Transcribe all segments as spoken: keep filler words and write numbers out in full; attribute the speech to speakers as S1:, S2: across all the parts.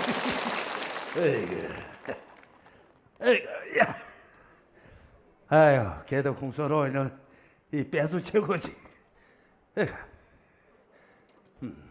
S1: 에이그, 에이그, 야. 아유, 걔도 홍소로는 이 빼수 최고지. 에이그. 음.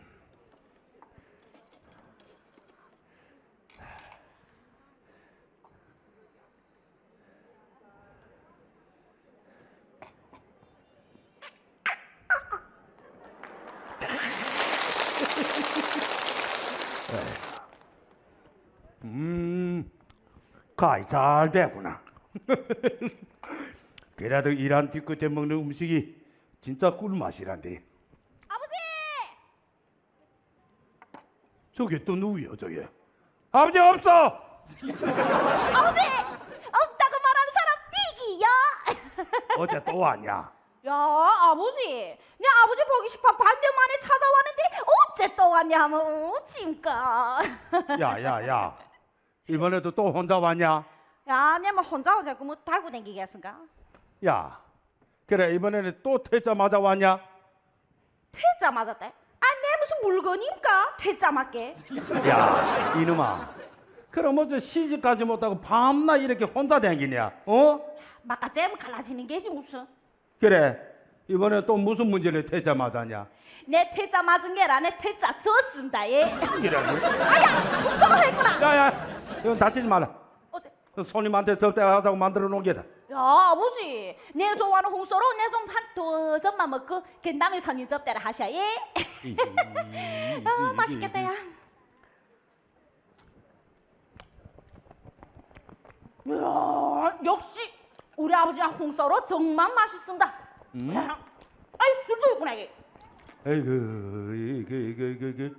S1: 음, 가이 잘 배구나. 그래도 이란 뒤끝에 먹는 음식이 진짜 꿀맛이란데.
S2: 아버지!
S1: 저게 또 누구야, 저게? 아버지 없어!
S2: 아버지! 없다고 말하는 사람 삐기야!
S1: 어제 또 왔냐?
S2: 야, 아버지, 내 아버지 보기 싶어 반년 만에 찾아왔는데 어째 또 왔냐 하면 어, 짐까.
S1: 야, 야, 야. 이번에도 또 혼자 왔냐?
S2: 야, 내뭐 혼자 오자 뭐 달고 댕기겠습니까?
S1: 야, 그래 이번에는 또 퇴짜 맞아 왔냐?
S2: 퇴짜 맞았대? 아, 내 무슨 물건입니까? 퇴짜 맞게.
S1: 야, 이놈아. 그럼 어째 시집가지 못하고 밤낮 이렇게 혼자 댕기냐? 어?
S2: 막가잼 갈라지는 게지 무슨.
S1: 그래, 이번에 또 무슨 문제를 퇴짜 맞았냐?
S2: 내 퇴짜 맞은 게라 내 퇴짜 졌습니다. 예.
S1: 이라고?
S2: 아야, 국성을 했구나.
S1: 야야, 이건 다치지 마라.
S2: 어째?
S1: 손님한테 접대하자고 만들어 놓은 게다.
S2: 야, 아버지, 내 좋아하는 홍소로 내 좀 한 두 점만 먹고 그 다음에 손님 접대를 하셔. 예. 아, 맛있겠다 야. 이야, 역시 우리 아버지랑 홍소로 정말 맛있습니다.
S1: 음?
S2: 아이, 술도 있구나 이게.
S1: 에이그, 이게 이게 이게 이게.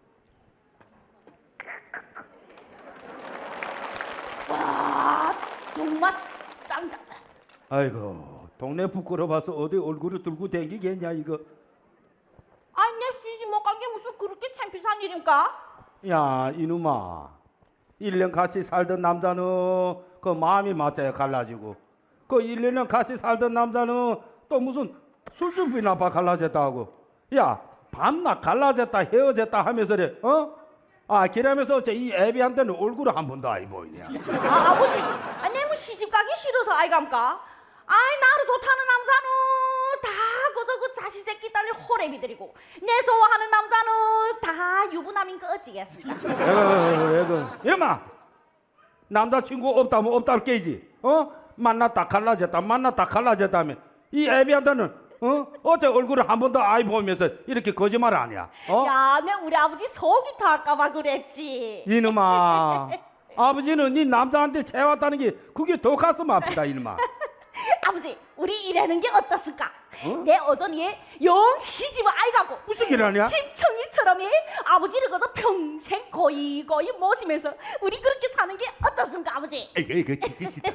S2: 와, 정말 짱짱.
S1: 아이고, 동네 부끄러워서 어디 얼굴을 들고 댕기겠냐 이거.
S2: 아이, 내 시집 못 간 게 무슨 그렇게 창피한 일입니까?
S1: 야, 이놈아. 일 년 같이 살던 남자는 그 마음이 맞아야 갈라지고, 그 일 년 같이 살던 남자는 또 무슨 술주비나 봐 갈라졌다고. 야, 밤낮 갈라졌다 헤어졌다 하면서래, 어? 아, 그러면서 어째 이 애비한테는 얼굴을 한 번도 안 보이냐.
S2: 아, 아버지, 아, 내뭐 시집 가기 싫어서 아이감까? 아이, 나를 좋다는 남자는 다 그저 그 자식 새끼 딸린 호래비들이고 내 좋아하는 남자는 다 유부남인 거 어찌겠습니까?
S1: 에그, 에그, 이놈아. 남자친구 없다면 없다고 깨지. 어? 만났다 갈라졌다 만났다 갈라졌다며. 이 애비한테는 어? 어째 얼굴을 한 번도 안 보면서 이렇게 거짓말 하냐? 어?
S2: 야, 내 우리 아버지 속이 탈까봐 그랬지.
S1: 이놈아, 아버지는 네 남자한테 채웠다는 게 그게 더 가슴 아프다 이놈아.
S2: 아버지, 우리 이래는 게 어떻습니까?
S1: 어?
S2: 내 어전이 영 시집을 아이 가고
S1: 무슨 일 하냐?
S2: 심청이처럼 예? 아버지를 거저 평생 거의 거의 모시면서 우리 그렇게 사는 게 어떻습니까, 아버지?
S1: 에이, 에이, 그 티티시다,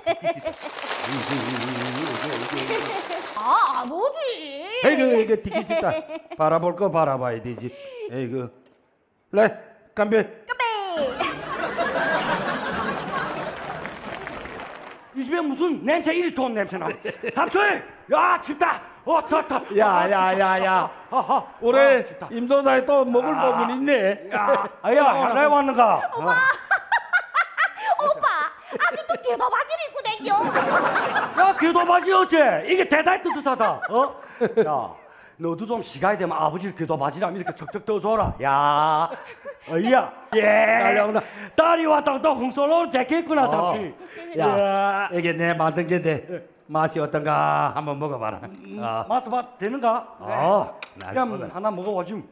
S2: 아, 아버지.
S1: 에이그, 이거 티키시다. 바라볼 거 바라봐야 되지. 에이그, 래, 간배.
S2: 까베.
S3: 이 집에 무슨 냄새 이리 좋은 냄새나. 삼촌, 야 춥다. 어, 더, 더.
S1: 야, 야, 야, 야.
S3: 하하.
S1: 올해
S3: 아, 춥다.
S1: 임소사에 또 먹을 법은 있네.
S3: 야, 아야, 하나에 왔는가?
S2: 오빠, 아직도 개바 바지를 입고 댕겨.
S3: 야, 귀도 바지 어째? 이게 대단히 뜨뜻하다. 어? 야, 너도 좀 시간이 되면 아버지 귀도 바지라면 이렇게 척척 떠줘라. 야, 어이야. 예.
S1: 날려오나.
S3: 딸이 왔다고 또 홍소로 재밌구나, 삼촌.
S1: 야, 이게 내 만든 게데 맛이 어떤가 한번 먹어봐라. 아,
S3: 맛봐 되는가?
S1: 어, 날
S3: 야,
S1: 먹어라.
S3: 하나 먹어봐 좀.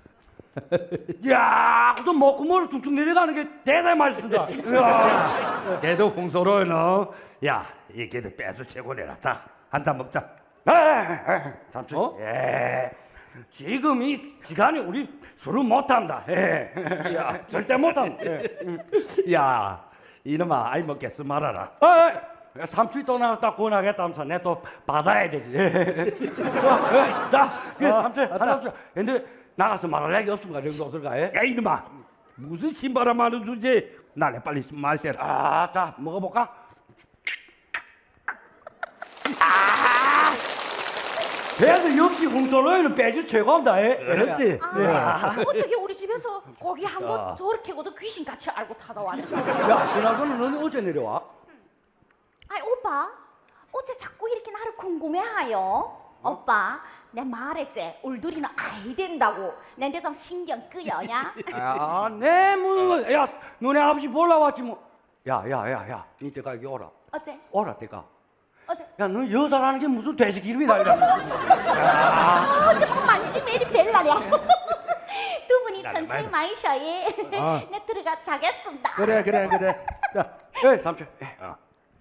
S3: 야, 무슨 먹구멍을 툭툭 내려가는 게 대단히 맛있습니다. 이야.
S1: 걔도 홍소로는 야, 이 걔도 빼서 최고내라. 자, 한 잔 먹자.
S3: 에, 에, 삼촌.
S1: 어?
S3: 예. 지금 이 시간에 우리 술을 못한다. 예. 야, 절대 못한다. 예.
S1: 야, 이놈아, 아이 먹겠어 말아라.
S3: 아, 삼촌이 또 나갔다 구원하겠다면서 내 또 받아야 되지. 예. 어, 예. 자, 그
S1: 어,
S3: 삼촌
S1: 왔다.
S3: 하나 줘. 근데 나가서 말할 얘기 없습니까? 여기서 어떨까? 예?
S1: 야, 이놈아, 무슨 신바람 하는 주제? 나래 빨리 마셔라.
S3: 아, 자, 먹어볼까? 그래도 역시 홍솔로이는 빼주 최고입니다. 예.
S1: 그렇지.
S2: 아, 어떻게 우리 집에서 고기 한
S1: 야.
S2: 번 저렇게고도 귀신같이 알고 찾아왔냐?
S3: 야, 그나저나 너는 어째 내려와?
S2: 아이 오빠, 어째 자꾸 이렇게 나를 궁금해하여? 오빠, 내 말했지. 울두리는 아이 된다고. 내한테 좀 신경 끄여냐?
S3: 아, 내 뭐, 야, 너네 아버지 보러 왔지 뭐. 야, 야, 야, 야, 니 때가 여기 오라.
S2: 어째?
S3: 오라 때가.
S2: 어째?
S3: 야, 너 여자라는 게 무슨 돼지 기름이다 이라.
S2: 아, 어째 막 만지면 이리 벨라냐? 두 분이 천천히 마이셔. 예.
S1: 아.
S2: 내 들어가 자겠습니다.
S1: 그래 그래 그래. 자,
S3: 예, 삼촌. 예.
S1: 어.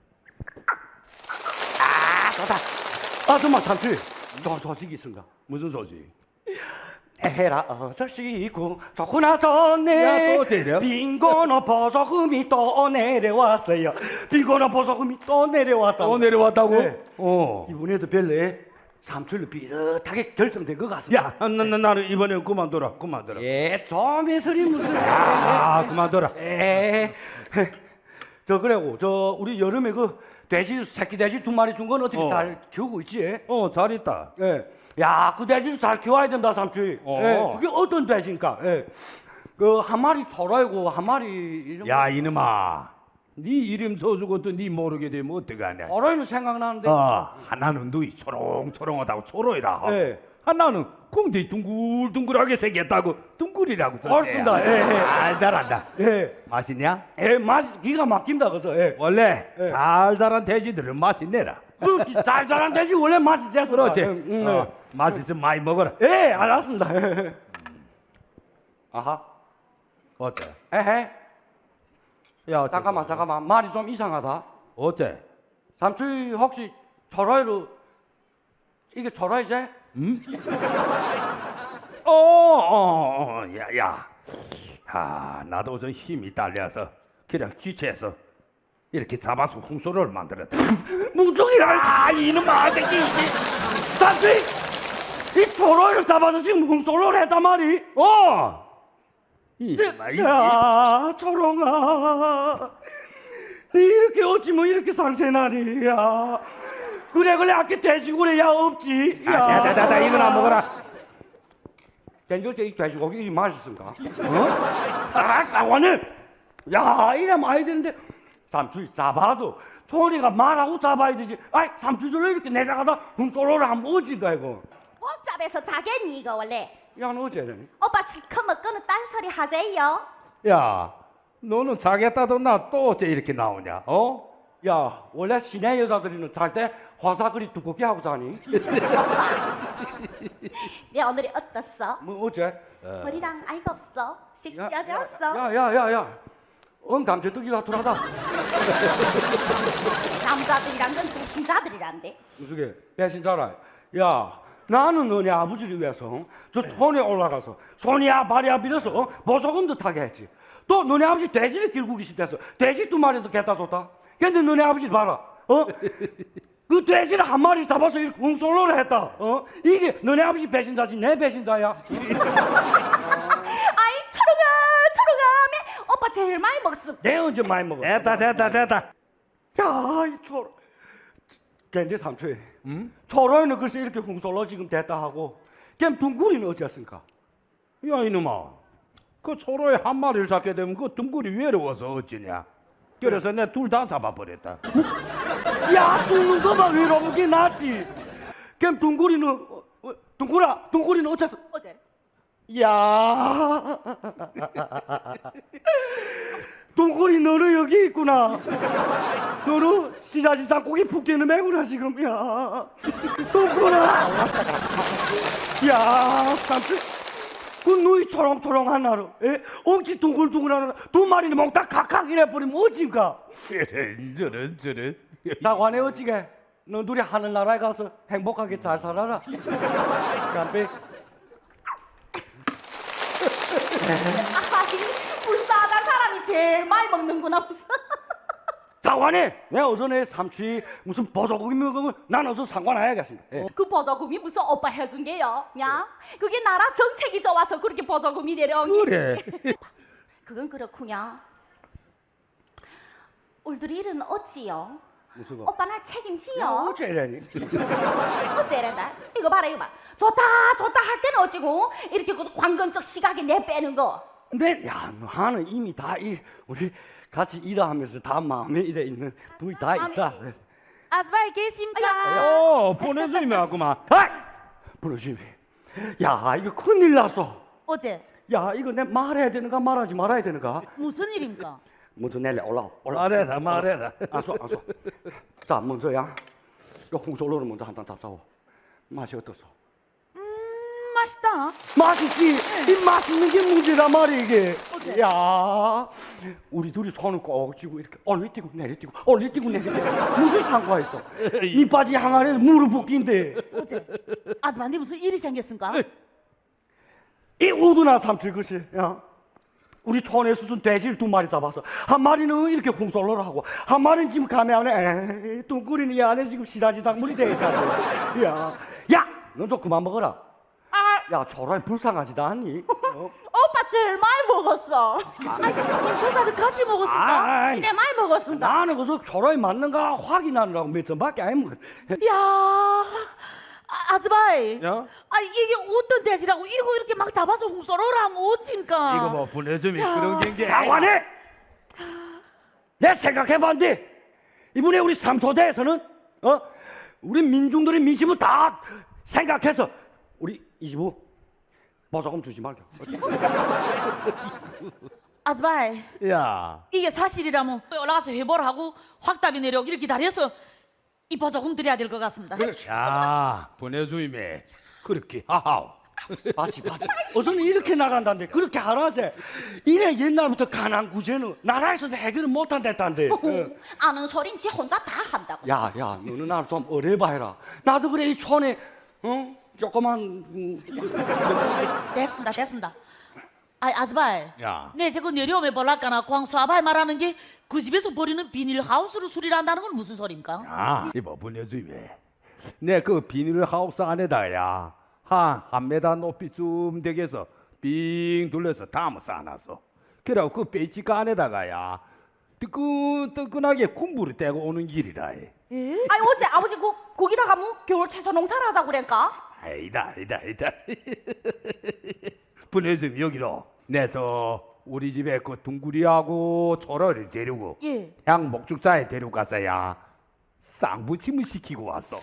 S3: 아, 좋다. 아, 정말 삼촌. 좋은 소식이 있습니다.
S1: 무슨 소식?
S3: 해라 어서 쉬고 좋구나 좋네.
S1: 야, 또 어째요?
S3: 빈곤어 보석금이 또 내려왔어요. 빈곤어 보석금이 또 내려왔다.
S1: 또 내려왔다고?
S3: 네.
S1: 어.
S3: 이번에도 별내 삼촌로 비슷하게 결정된 것 같습니다.
S1: 야, 나, 나, 나는 이번에 그만둬라, 그만둬라.
S3: 예, 좀 해설이 무슨.
S1: 아, 그만둬라.
S3: 예. 저 그래고 저 우리 여름에 그 돼지 새끼 돼지 두 마리 준 건 어떻게
S1: 어.
S3: 잘 키우고 있지?
S1: 어, 잘 있다.
S3: 예. 야, 그 돼지도 잘 키워야 된다, 삼촌.
S1: 어.
S3: 예. 그게 어떤 돼지입니까? 예. 그 한 마리 초라이고 한 마리 이런.
S1: 야, 이놈아. 네 이름 써주고 또 네 모르게 되면 어떡하냐.
S3: 초라이는 생각나는데.
S1: 아, 하나는 눈이 초롱초롱하다고 초로이라.
S3: 예.
S1: 하나는 공대 둥글둥글하게 생겼다고 둥글이라고 썼지.
S3: 맞습니다. 예, 예.
S1: 아, 잘한다.
S3: 예.
S1: 맛있냐?
S3: 예, 맛이 기가 막힌다 그래서. 예.
S1: 원래
S3: 예.
S1: 잘 자란 돼지들은 맛있네라.
S3: 그 잘 자란 돼지 원래 맛이 됐어.
S1: 그렇지.
S3: 음, 음,
S1: 어, 맛있으면 많이 먹어라.
S3: 예, 알았습니다. 예. 아하.
S1: 어때?
S3: 에헤.
S1: 야, 어째?
S3: 잠깐만, 잠깐만. 말이 좀 이상하다.
S1: 어째?
S3: 삼촌 혹시 초라이로 이게 초라이지?
S1: 어, 어, 어, 야, 야. 아, 나도 좀 힘이 딸려서 그냥 귀체해서 이렇게 잡아서 홍소를 만들었다.
S3: 뭉텅이라.
S1: 아, 이놈아, 새끼.
S3: 삼촌 이 초라이를 잡아서 지금 홍솔로를 했단 말이.
S1: 어. 이놈아, 이.
S3: 야, 초롱아. 니 이렇게 어찌 뭐 이렇게 상세나니, 야. 그래, 그래, 아까 돼지고래, 야, 없지.
S1: 아, 자, 자, 자, 자, 이거나 먹어라.
S3: 된장째 이 돼지고기 이 맛있습니까? 어? 아, 까원을. 야, 이래 많이 되는데. 삼촌이 잡아도 초리가 말하고 잡아야 되지. 아이, 삼촌들로 이렇게 내려가다 훔솔로를 한번 어진다, 이거.
S2: 복잡해서 자겠니 이거 원래?
S3: 야, 너 어째니?
S2: 오빠 실컷 먹고는 딴소리 하재요.
S1: 야, 너는 자겠다던 나 또 어째 이렇게 나오냐? 어?
S3: 야, 원래 시내 여자들이는 잘 때 화사그리 두껍게 하고 자니?
S2: 내 오늘이 어떻어?
S3: 뭐, 어째?
S2: 머리랑 아이가 없어? 섹시하지 않았어?
S3: 야, 야, 야, 야. 응, 감자떡이가 돌아다.
S2: 남자들이란 건 배신자들이란데.
S3: 무슨 게 배신자라. 야, 나는 너네 아버지를 위해서 저 손에 올라가서 손이야 발이야 빌어서 어? 보석금도 타게 했지. 또 너네 아버지 돼지를 길고 계시대서 돼지 두 마리도 갖다 줬다. 근데 너네 아버지 봐라. 어? 그 돼지를 한 마리 잡아서 이렇게 웅솔로를 했다. 어? 이게 너네 아버지 배신자지 내 배신자야.
S2: 아이 초롱아 초롱아 매 오빠 제일 많이 먹었어.
S3: 내 언제 많이 먹어?
S1: 됐다, 됐다, 됐다.
S3: 야, 이 초로. 근데 삼촌, 음? 초로이는 글쎄 이렇게 웅솔로 지금 됐다 하고, 그럼 둥구리는 어찌했습니까?
S1: 야, 이놈아. 그 초로에 한 마리를 잡게 되면 그 둥글이 외로워서 어찌냐? 그래서 내 둘 다 잡아버렸다.
S3: 야, 죽는 거만 외로운 게 낫지. 그럼 둥구리는 어, 어, 둥구라, 둥구리는 어째서?
S2: 어제
S3: 야, 둥구리 너는 여기 있구나. 너는 시자지 짱고기 푹 뛰는 매구나 지금. 야, 둥구라. 야, 삼촌. 그 누이 초롱초롱한 나로, 예? 엉치 둥글둥글한 나로 두 마리는 몽딱 각각 이래버리면 어찌인가?
S1: 저런, 저런.
S3: 자관에 어찌게? 너 둘이 하늘나라에 가서 행복하게 잘 살아라. 깜빡.
S2: 아이 불쌍하다 사람이 제일 많이 먹는구나 무슨.
S3: 자관에 내가 어서 내 삼촌이 무슨 보석고기 먹으면 난 어서 상관 안 해야겠습니다. 예.
S2: 그 보조금이 무슨 오빠 해준 게요? 야 그게 나라 정책이 좋아서 그렇게 보조금이 내려온 게.
S1: 그래.
S2: 그건 그렇구냐. 울들이 일은 어찌요?
S3: 무슨 거?
S2: 오빠 날
S3: 야,
S2: 책임지요.
S3: 어째라니?
S2: 어째란다? 이거 봐라 이거 봐. 좋다 좋다 할 때는 어찌고 이렇게 그 관건적 시각에 내 빼는 거.
S3: 근데 야, 너 하는 이미 다 일, 우리 같이 일하면서 다 마음에 이래 있는 부위 다
S2: 마음에-
S3: 있다.
S2: 아스바이 계십니까?
S1: 어, 보내주임이 왔구만.
S3: 아이! 부르심이. 야, 이거 큰일 났어.
S2: 어제
S3: 야, 이거 내 말해야 되는가 말하지 말아야 되는가?
S2: 무슨 일입니까?
S3: 먼저 내려 올라 올라.
S1: 말해라, 말해라.
S3: 알았어, 알았어. 자, 먼저야. 이 홍솔로를 먼저 한 잔 잡사오. 맛이 어떻소?
S2: 음 맛있다.
S3: 맛있지. 이 맛있는 게 문제란 말이야 이게.
S2: 어째?
S3: 야, 우리 둘이 손을 꼭 쥐고 이렇게 올리뛰고 내리뛰고 올리뛰고 내리뛰고 무슨 상관이 있어? 밑바지 항아리에 무릎 붓기인데
S2: 어제 아줌마님 무슨 일이 생겼습니까?
S3: 이 우두나 삼칠 것이 야. 우리 촌에 수순 돼지를 두 마리 잡아서 한 마리는 이렇게 홍솔로를 하고 한 마리는 지금 가메 안에 에이, 뚱꾸리는 이 안에 지금 시다지 작물이 돼 있다는데 야, 야, 넌 좀 그만 먹어라.
S2: 아
S3: 야, 저런 불쌍하지도 않니? 어?
S2: 오빠 제일 많이 먹었어. 아이 김소사도 같이 먹었습니까?
S3: 아이.
S2: 네 많이 먹었습니다.
S3: 나는 그래서 저런이 맞는가 확인하느라고 몇 점밖에 안 먹어.
S2: 야 아, 아스바이.
S1: 야?
S2: 아 이게 어떤 돼지라고 이거 이렇게 막 잡아서 홍소로를 하면 어찌니까?
S1: 이거 뭐 보내주임이
S2: 야.
S1: 그런 게
S3: 장관에 내 생각해봤는데 이번에 우리 삼소대에서는 어 우리 민중들의 민심을 다 생각해서 우리 이십오 보조금 주지 말자.
S2: 아스바이
S1: 야,
S2: 이게 사실이라면 올라가서 회보를 하고 확답이 내려오기를 기다려서 이 보조금 드려야 될 것 같습니다.
S1: 야, 보내주임이 그렇게 하하오.
S3: 맞지 맞지. 어서는 이렇게 나간다는데 그렇게 하라세. 이래 옛날부터 가난 구제는 나라에서도 해결을 못한댔단데. 어.
S2: 아는 소린 지 혼자 다 한다고.
S3: 야, 야, 너는 나를 좀 어려봐 해라. 나도 그래 이 촌에 어 조그만 음,
S2: 됐습니다, 됐습니다. 아, 아스바이.
S1: 야.
S2: 네, 저거 내려오면 볼라까나 광수아바이 말하는 게 그 집에서 버리는 비닐하우스로 수리를 한다는 건 무슨 소리입니까?
S1: 아, 이거 보내주임이. 내 그 비닐하우스 안에다야 한 한 메다 높이쯤 되게서 빙 둘러서 담아 쌓아놨어. 그래고 그 베이지가 안에다가야 뜨끈뜨끈하게 군부를 떼고 오는 길이라. 해.
S2: 아니 어째 아버지 그 거기다가 뭐 겨울 채소 농사를 하자고 그랬까?
S1: 아니다, 아니다, 아니다. 보내주임 여기로 내서 우리 집에 그 둥구리하고 초라를 데리고
S2: 예.
S1: 향 목축자에 데려가서야 쌍부침을 시키고 왔어.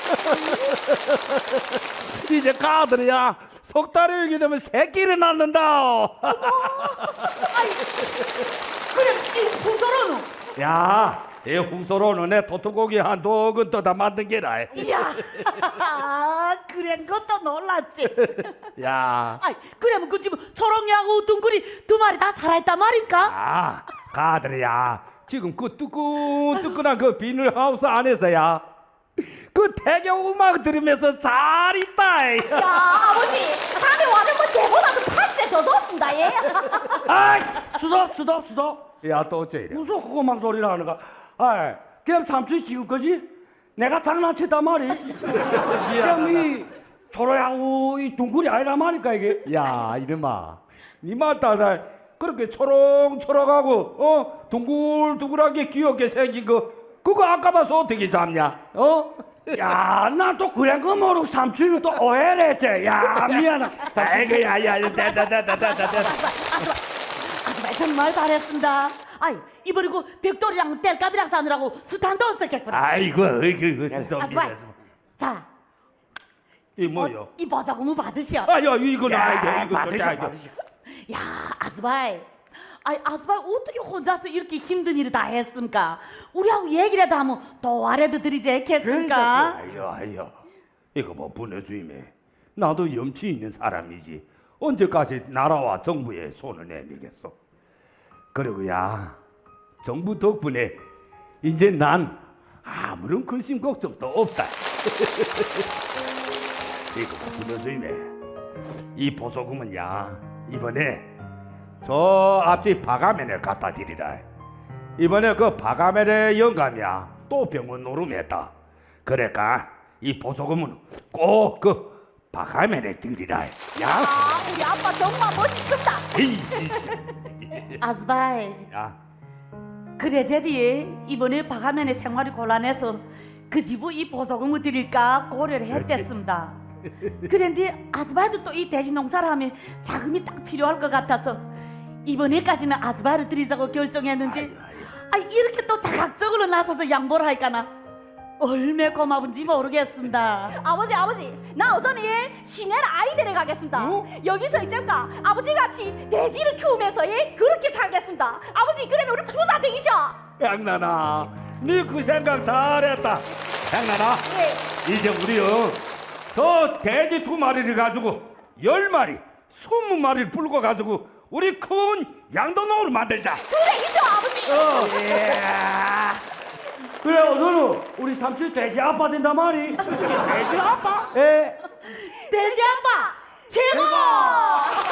S1: 이제 가들이야 석 달이 오게 되면 새끼를 낳는다.
S2: 그래 이 풍소로는
S1: 야, 이 홍소로는 내 토토고기 한 도근 떠다 만든 게라.
S2: 이야 그런 것도 놀랐지.
S1: 야,
S2: 아이 그러면 그 집은 초롱이하고 둥그리 두 마리 다 살아있단 말인가?
S1: 아, 가들이야 지금 그 뜨끈뜨끈한 그 비닐하우스 안에서야 그 태경 음악 들으면서 잘 있다.
S2: 야 아버지 다음에 와는 뭐 대보다도 팔째 더 줬습니다 예.
S3: 아이, 수덥, 수덥, 수덥.
S1: 야, 또 어째 이래?
S3: 무슨 그거만 소리를 하는가? 아이, 그냥 삼촌이 지금까지 내가 장난쳤단 말이. 그냥 이 초라하고 이 둥글이 아니란 말이니까 이게.
S1: 야, 이놈아, 니말 따라 그렇게 초롱초롱하고 어 둥글둥글하게 귀엽게 생긴 거 그거 아까 봐서 어떻게 잡냐? 어?
S3: 야, 나 또 그런 거 모르고 삼촌이 또 오해를 했지. 야, 미안해. 자,
S1: 아이고, 야, 야, 다다다다다다.
S2: 아줌마 정말 잘했습니다. 아이 이번에 그 벽돌이랑 뗄감이랑 사느라고 수탄도 썼겠구나.
S1: 아이고, 이거 좀
S2: 아줌마
S1: 이래서.
S2: 자
S1: 이 뭐요?
S2: 어, 이 보자금을 받으시오.
S1: 아, 야, 이거
S3: 야,
S1: 나 이거
S3: 받으셔,
S1: 절대 아이고.
S3: 받으셔.
S2: 야 아스바이 아이 아스바이 어떻게 혼자서 이렇게 힘든 일을 다 했습니까? 우리하고 얘기라도 하면 도와라도 드리지 않겠습니까?
S1: 아이고, 아이고. 이거 뭐 보내주임에 나도 염치 있는 사람이지. 언제까지 나라와 정부에 손을 내밀겠어? 그리고야 정부 덕분에 이제 난 아무런 근심 걱정도 없다. 이거 보내주임에 이 보조금은야 이번에 저 앞집 바가면을 갖다 드리라. 이번에 그 바가면의 영감이야 또 병원 노름했다. 그러니까 이 보조금은 꼭 그 바가면에 드리라. 야,
S2: 아 우리 아빠 정말 멋있습니다.
S1: 에이,
S2: 아스바이
S1: 야,
S2: 그래 제디 이번에 박하면의 생활이 곤란해서 그 집에 이 보조금을 드릴까 고려를 했댔습니다. 그런데 아스바이도 또 이 돼지 농사를 하면 자금이 딱 필요할 것 같아서 이번에까지는 아스바이를 드리자고 결정했는데 아 이렇게 또 자각적으로 나서서 양보를 할까나 얼마나 고마운지 모르겠습니다. 아버지 아버지 나 우선 이 시내를 아이들에 가겠습니다.
S1: 어?
S2: 여기서 있잖까 아버지 같이 돼지를 키우면서 예, 그렇게 살겠습니다. 아버지 그러면 우리 부자 되기셔.
S1: 양나나, 네 그 생각 잘했다. 양나나,
S2: 예.
S1: 이제 우리요 저 돼지 두 마리를 가지고 열 마리, 스무 마리를 불고 가지고 우리 큰 양도농을 만들자.
S2: 그래 이셔 아버지.
S3: 그래 너는 우리 삼촌 돼지 아빠 된단 말이.
S1: 돼지 아빠?
S3: 예.
S2: 돼지 아빠 최고.